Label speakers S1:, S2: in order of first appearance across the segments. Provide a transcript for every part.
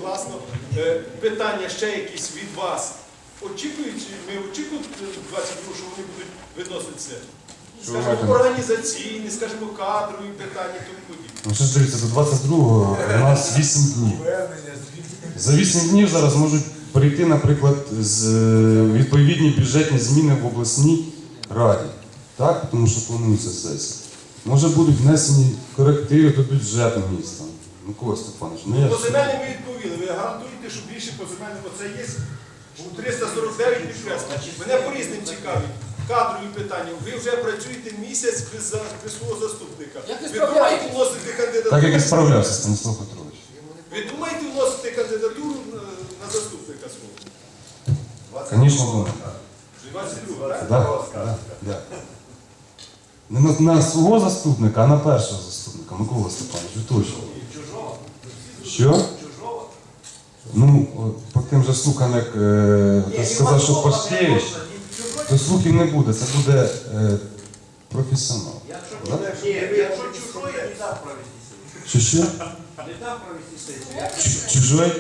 S1: класно. Питання ще якісь від вас. Ми очікуємо 22, що вони будуть виноситися? Скажімо, організаційні, скажімо, кадрові питання, тому подібне.
S2: Ну що ж дивіться, до 22-го у нас 8 днів. За 8 днів зараз можуть прийти, наприклад, відповідні бюджетні зміни в обласній раді. Так? Тому що планується сесія. Може будуть внесені корективи до бюджету міста. Микола Степанович,
S1: По земельним ви відповіли. Ви гарантуєте, що більше по земельним, оце є у 349 підкреслень. Мене по різним цікавить. Кадрові питання. Ви вже працюєте місяць без свого заступника. Ви думаєте вносити кандидатуру?
S2: Так як і справлявся Станіслав Петрович.
S1: Ви думаєте вносити кандидатуру на заступника свого?
S2: Звісно, думаю.
S1: 22, так?
S2: Да. Не на свого заступника, а на першого заступника. Микола Степанович, ви точно. Що? Ну, по тим же слухам, як ти сказав, що Пашкевич, то слухів не буде, це буде професіонал.
S3: Якщо чужой, не дав провести сесію.
S2: Що?
S3: Не дав провести сесію.
S2: Чужой?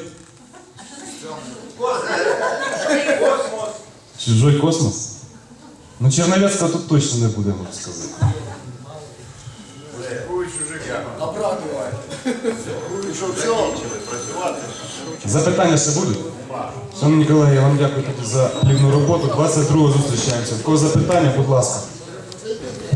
S3: Космос.
S2: Чужой космос? Ну, Черновецького тут точно не буде, можу сказати. Запитання ще будуть? Шановні колеги, я вам дякую тоді за плідну роботу. 22-го зустрічаємося. В кого запитання, будь ласка.